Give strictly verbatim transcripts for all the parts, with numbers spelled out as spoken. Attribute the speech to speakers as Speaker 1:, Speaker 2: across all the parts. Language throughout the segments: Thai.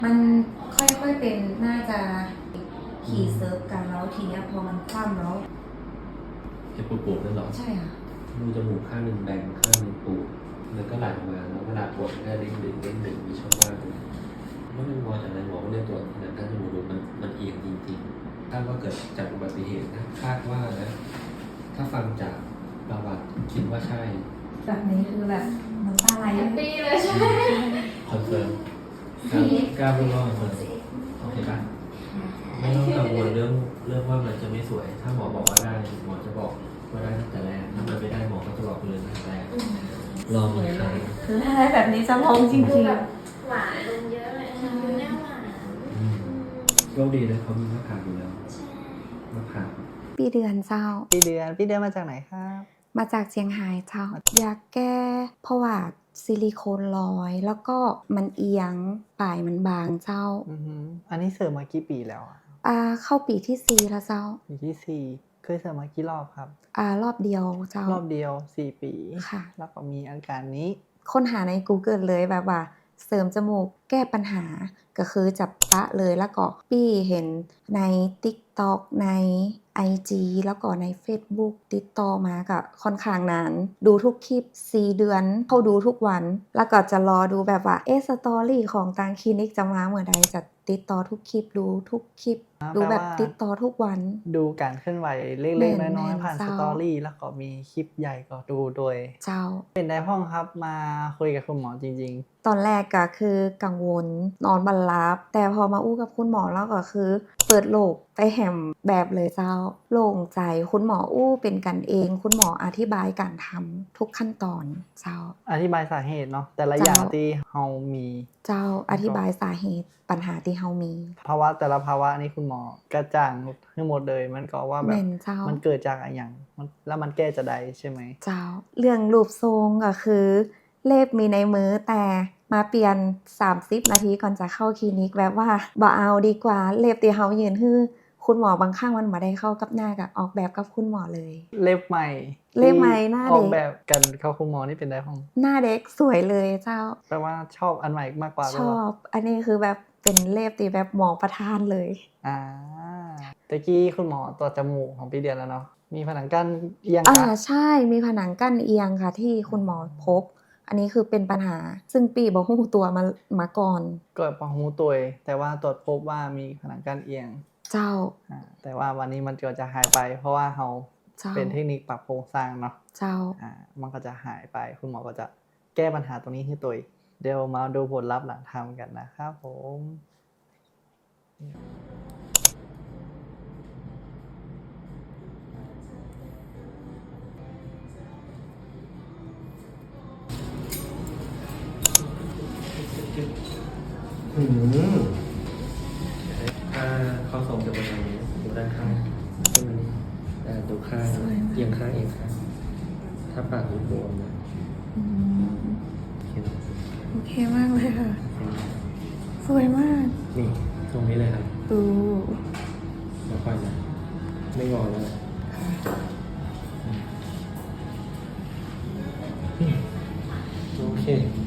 Speaker 1: มันค่อยๆเป็นน่าจะขี่เซิร์ฟกันแล้วทีเนี้ยพอมันคว่ำแล้ว
Speaker 2: เห็นปูปูนั่นหรอ
Speaker 1: ใช่ค่ะ
Speaker 2: รูจมูกข้างหนึ่งแบนข้างหนึ่งปูแล้วก็ไหลออกมาแล้วเวลาปวดก็เด้งดึงเด้งดึงมีช่องว่างเมื่อมันงอจากนั้นหมอก็เลยตรวจหนังกั้นจมูกดูมันมันเอียงจริงๆคาดว่าเกิดจากอุบัติเหตุนะคาดว่านะถ้าฟังจากประวัติคิดว่าใช่
Speaker 1: แบบนี้คือแบบน้ำตาไหล
Speaker 3: แฮปปี้เลยใช่ไหม
Speaker 2: คอนเฟิร์มกล้าพูดว่าคอนเฟิร์มโอเคป่ะไม่ต้องกังวลเรื่องเรื่องว่ามันจะไม่สวยถ้าหมอบอกว่าได้หมอจะบอกว่าได้ตั้งแต่แรกถ้ามันไม่ได้หมอก็จะบอกเลยตั้งแต่แรกลองเลยครับ
Speaker 1: คือถ้าได้แบบนี้จะลองจริงๆ
Speaker 3: แบบหวานลงเยอะเลยค่ะดูหน้าหวาน
Speaker 2: โชคดีนะเขามีมะขามอยู่แล้วมะขาม
Speaker 1: ปีเดือนเจ้า
Speaker 4: ปีเดือนปีเดือนมาจากไหนครับ
Speaker 1: มาจากเชียงรายเจ้าอยากแก้เพราะว่าซิลิโคนลอยแล้วก็มันเอียงปลายมันบางเจ้า
Speaker 4: อืออันนี้เสริมมากี่ปีแล้ว
Speaker 1: อ่าเข้าปีที่สี่แล้วเจ้า
Speaker 4: ปีที่สี่เคยเสริมมากี่รอบครับ
Speaker 1: อ่ารอบเดียวเจ้าร
Speaker 4: อบเดียวสี่ปี
Speaker 1: ค่ะ
Speaker 4: แล้วก็มีอาการนี้
Speaker 1: ค้นหาใน Google เลยแบบว่าเสริมจมูกแก้ปัญหาก็คือจับปะเลยแล้วก็ปี้เห็นใน TikTok ใน ไอ จี แล้วก็ใน Facebook ติดต่อมาก็ค่อนข้างนานดูทุกคลิปสี่เดือนเขาดูทุกวันแล้วก็จะรอดูแบบว่าเอ๊ะสตอรี่ของทางคลินิกจะมาเมื่อใดจะติดต่อทุกคลิปดูทุกคลิปดูแบบติดต่อทุกวัน
Speaker 4: ดูการเคลื่อนไหวเล็กๆน้อยๆผ่านสตอรี่แล้วก็มีคลิปใหญ่ก็ดูโดย
Speaker 1: เจ้า
Speaker 4: เป็นได้ห้องครับมาคุยกับคุณหมอจริง
Speaker 1: ๆตอนแรกก็คือกังวลนอนบัลลับแต่พอมาอู้กับคุณหมอแล้วก็คือเปิดโลกไปแหมแบบเลยเจ้าโล่งใจคุณหมออู้เป็นกันเองคุณหมออธิบายการทำทุกขั้นตอนเจ้า
Speaker 4: อธิบายสาเหตุเนาะแต่ละอย่างที่เฮามี
Speaker 1: เจ้าอธิบายสาเหตุปัญหาที่เฮามี
Speaker 4: ภาวะแต่ละภาวะนี่คุณหมอกระจ่างทั้งหมดเลยมันก็ว่าแบบมันเกิดจากอะไรอย่างแล้วมันแก้จะได้ใช่ไหม
Speaker 1: เจ้าเรื่องรูปทรงก็คือเล็บมีในมือแต่มาเปลี่ยนสามสิบนาทีก่อนจะเข้าคลินิกแบบว่าบ่เอาดีกว่าเล็บที่เฮายืนฮื้อคุณหมอบางข้างมันมาได้เข้ากับหน้ากับออกแบบกับคุณหมอเลย
Speaker 4: เล็บใหม่
Speaker 1: เล็บใหม่หน้าเด็ก
Speaker 4: ออกแบบกันเข้าคุณหมอนี่เป็นได้ห้อง
Speaker 1: หน้าเด็กสวยเลยเจ้า
Speaker 4: แปลว่าชอบอันใหม่มากกว่า
Speaker 1: ชอบอันนี้คือแบบเป็นเล็บที่แบบหมอประทานเลย
Speaker 4: อ่าตะกี้คุณหมอตัวจมูกของพี่เดือนแล้วเนาะมีผนังกั้นเอียง
Speaker 1: อ่าใช่มีผนังกั้นเอียงค่ะที่คุณหมอพบอันนี้คือเป็นปัญหาซึ่งปีบอกหูตัวมามาก่อน
Speaker 4: เกิดปะหูตัวแต่ว่าตรวจพบว่ามีผนังกั้นเอียง
Speaker 1: เจ้า
Speaker 4: แต่ว่าวันนี้มันก็จะหายไปเพราะว่าเราเป็นเทคนิคปรับโครงสร้างเนาะ
Speaker 1: เจ้า
Speaker 4: อ่ามันก็จะหายไปคุณหมอก็จะแก้ปัญหาตรงนี้ให้ตัวเดี๋ยวมาดูผลลัพธ์หลังทำกันนะครับผม
Speaker 2: อืมถ้าเขาส่งจะเป็นอย่างนี้ดูด้านข้างใช่ไหมแต่ดูข้างเอียงข้างเอียงข้างถ้าปากบวมนะ
Speaker 1: โอเคมากเลยค่ะสวยมาก
Speaker 2: นี่ตรงนี้เลยครับ
Speaker 1: ดู
Speaker 2: แล้วค่อยนะไม่งอแล้วโอเค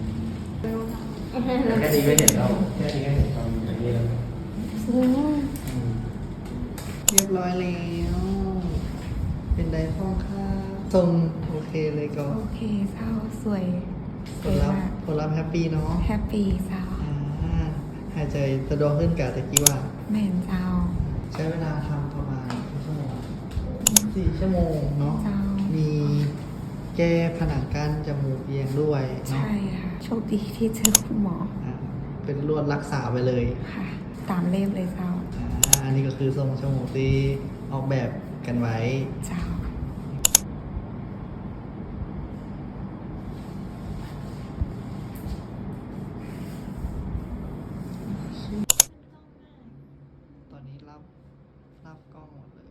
Speaker 2: แค่นี้ก็เห็นแล้วแค่นี้ก็เห็นความอย่างนี้แล้ว
Speaker 1: สวยมาก
Speaker 4: เรียบร้อยแล้วเป็นไดฟองค่ะทรงโอเคเลยก็
Speaker 1: โอเคเศร้าสวย
Speaker 4: ผลลัพธ์ผลลัพธ์แฮปปี้เนาะ
Speaker 1: แฮปปี้เศร้า
Speaker 4: หายใจสะดวกขึ้นกับตะกี้ว่า
Speaker 1: แม่นเจ้า
Speaker 4: ใช้เวลาทำประมาณชั่วโมงสี่ชั่วโมงเนาะมีแก้ผนังกั้นจมูกเอียงด้วย
Speaker 1: ใช่ค่ะโชคดีที่เจอคุณหมอ
Speaker 4: เป็นลวดรักษาไปเลย
Speaker 1: ค่ะตามเล่มเลยเจ้า
Speaker 4: อันนี้ก็คือทรงจมูกที่ออกแบบกันไว้
Speaker 1: เจ้า
Speaker 4: ตอนนี้รับรับกล้องหมดเลย